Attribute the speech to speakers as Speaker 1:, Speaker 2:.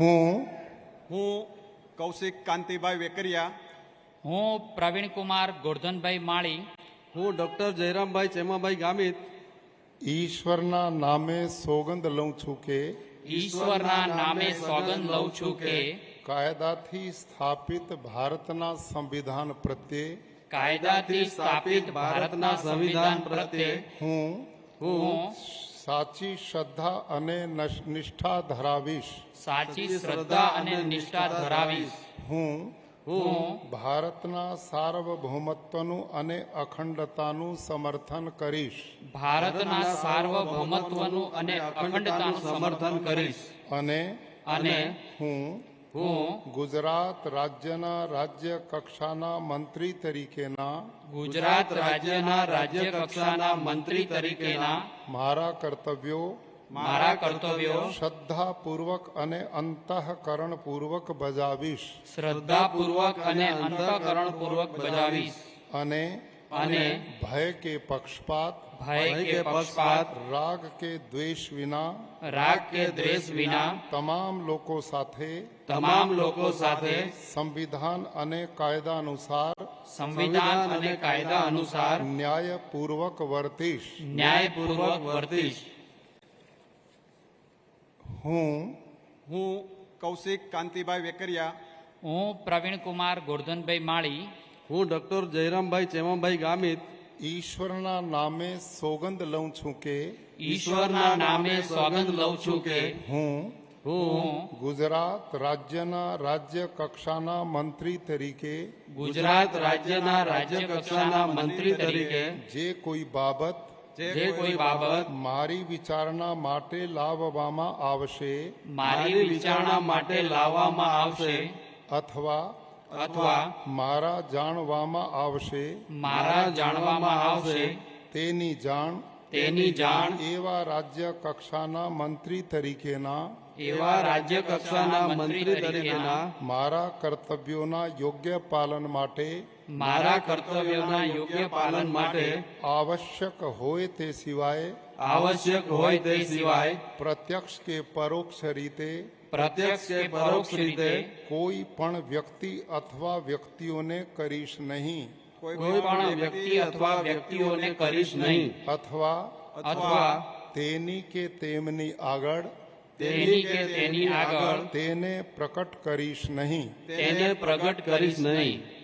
Speaker 1: હું કૌશિક કાંતિભાઈ વેકરિયા,
Speaker 2: હું પ્રવીણકુમાર ગોરધનભાઈ માળી,
Speaker 3: હું ડોક્ટર જયરામભાઈ ચેમાભાઈ ગામિત
Speaker 4: ઈશ્વરના નામે સોગંદ લઉં છું કે
Speaker 2: ઈશ્વરના નામે સોગંદ લઉં છું કે
Speaker 4: કાયદાથી સ્થાપિત ભારતના સંવિધાન પ્રત્યે
Speaker 2: કાયદાથી સ્થાપિત ભારતના સંવિધાન પ્રત્યે હું
Speaker 4: સાચી શ્રદ્ધા અને નિષ્ઠા ધરાવીશ.
Speaker 2: સાચી શ્રદ્ધા અને નિષ્ઠા ધરાવીશ.
Speaker 4: હું
Speaker 2: હું
Speaker 4: ભારતના સાર્વભૌમત્વનું અને અખંડતાનું સમર્થન કરીશ.
Speaker 2: ભારતના સાર્વભૌમત્વનું અને અખંડતાનું સમર્થન કરીશ.
Speaker 4: અને હું
Speaker 2: હું
Speaker 4: ગુજરાત રાજ્યના રાજ્ય કક્ષાના મંત્રી તરીકેના
Speaker 2: ગુજરાત રાજ્યના રાજ્ય કક્ષાના મંત્રી તરીકેના
Speaker 4: મારા કર્તવ્યો શ્રદ્ધાપૂર્વક અને અંતઃકરણપૂર્વક બજાવીશ.
Speaker 2: શ્રદ્ધાપૂર્વક અને અંતઃકરણપૂર્વક બજાવીશ.
Speaker 4: અને ભય કે પક્ષપાત રાગ કે દ્વેષ વિના તમામ લોકો સાથે સંવિધાન અને કાયદા અનુસાર ન્યાયપૂર્વક વર્તીશ. હું
Speaker 1: કૌશિક કાંતિભાઈ વેકરિયા,
Speaker 2: હું પ્રવીણકુમાર ગોરધનભાઈ માળી,
Speaker 3: હું ડોક્ટર જયરામભાઈ ચેમાભાઈ ગામિત
Speaker 4: ઈશ્વરના નામે સોગંદ લઉં છું કે
Speaker 2: ઈશ્વરના નામે સોગંદ લઉં છું કે
Speaker 4: હું
Speaker 2: હું
Speaker 4: ગુજરાત રાજ્યના રાજ્ય કક્ષાના મંત્રી તરીકે
Speaker 2: ગુજરાત રાજ્યના રાજ્ય કક્ષાના મંત્રી તરીકે
Speaker 4: જે કોઈ બાબત મારી વિચારણા માટે લાવવામાં આવશે અથવા મારા જાણવામાં આવશે તેની જાણ એવા રાજ્ય કક્ષાના મંત્રી તરીકેના મારા કર્તવ્યોના યોગ્ય પાલન માટે આવશ્યક હોય તે સિવાય પ્રત્યક્ષ કે પરોક્ષ રીતે કોઈ પણ વ્યક્તિ અથવા વ્યક્તિઓને કરીશ નહીં અથવા તેની કે તેમની આગળ તેને પ્રકટ કરીશ નહીં.